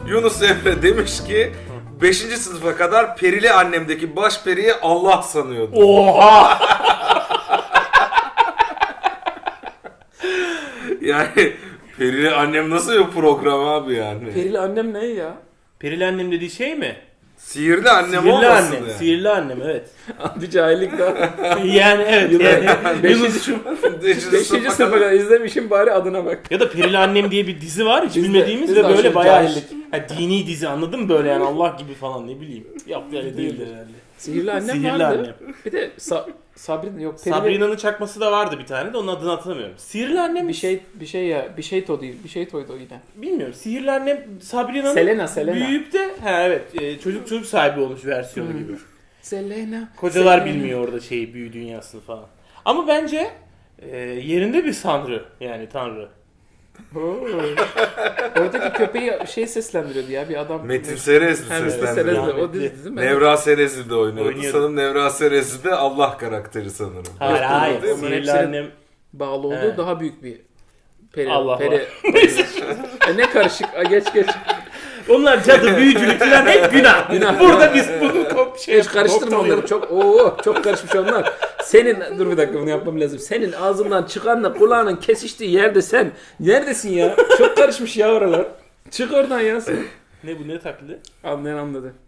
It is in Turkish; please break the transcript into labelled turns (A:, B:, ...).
A: Yunus Emre demiş ki 5. sınıfa kadar perili annemdeki baş periyi Allah sanıyordu.
B: Oha!
A: Yani perili annem nasıl bir program abi yani?
C: Perili annem ne ya?
B: Perili annem dediği şey mi?
A: Sihirli annem
B: Sihirli
A: olmasın
B: annem.
A: yani.
B: Sihirli annem evet.
C: Bir cahillik daha.
B: Yani evet yani.
C: Beşinci, beşinci sınıfa kadar izlemişim bari adına bak.
B: Ya da Perili Annem diye bir dizi var hiç
C: Biz de-
B: bilmediğimiz
C: biz
B: ve
C: de
B: böyle
C: aşırı
B: bayağı
C: cahillik.
B: dini dizi anladın mı böyle yani Allah gibi falan ne bileyim. Yaptı öyle değildir herhalde.
C: Sihirli annem
B: Sihirli
C: vardı.
B: Annem.
C: Bir de Sabrina yok. Perili
B: Sabrina'nın çakması da vardı bir tane de onun adını hatırlamıyorum. Sihirli Annem
C: bir şey ya. Bir şey to değil. Bir şey toydu o yine.
B: bilmiyorum. Sihirli Annem Sabrina'nın
C: Selena.
B: büyüyüp de çocuk sahibi olmuş versiyonu gibi.
C: Selena.
B: Kocalar
C: Selena.
B: bilmiyor orada büyü dünyasını falan. Ama bence yerinde bir sanrı yani tanrı.
C: Oo. Oradaki köpeği seslendiriyordu ya bir adam.
A: Metin Serezli
C: Hem Metin
A: seslendiriyor.
C: Serezli o dizi değil mi?
A: Nevra Serezli de oynuyordu.
B: Oynuyordu.
A: Sanırım Nevra Serezli de Allah karakteri sanırım.
B: Hayır.
C: Onların
B: Sihirli
C: hepsinin
B: Annem
C: bağlı olduğu
B: He.
C: daha büyük bir peri.
B: Allah
C: peri. Ne karışık. Geç.
B: onlar cadı, büyücülük falan hep günah.
C: Günah.
B: Burada biz bunu
C: Hiç karıştırma onları çok çok karışmış onlar. Senin dur bir dakika bunu yapmam lazım. Senin ağzından çıkanla kulağının kesiştiği yerde sen neredesin ya? Çok karışmış ya oralar. Çık oradan ya sen.
B: Ne bu ne taklidi?
C: Anlayan anladı.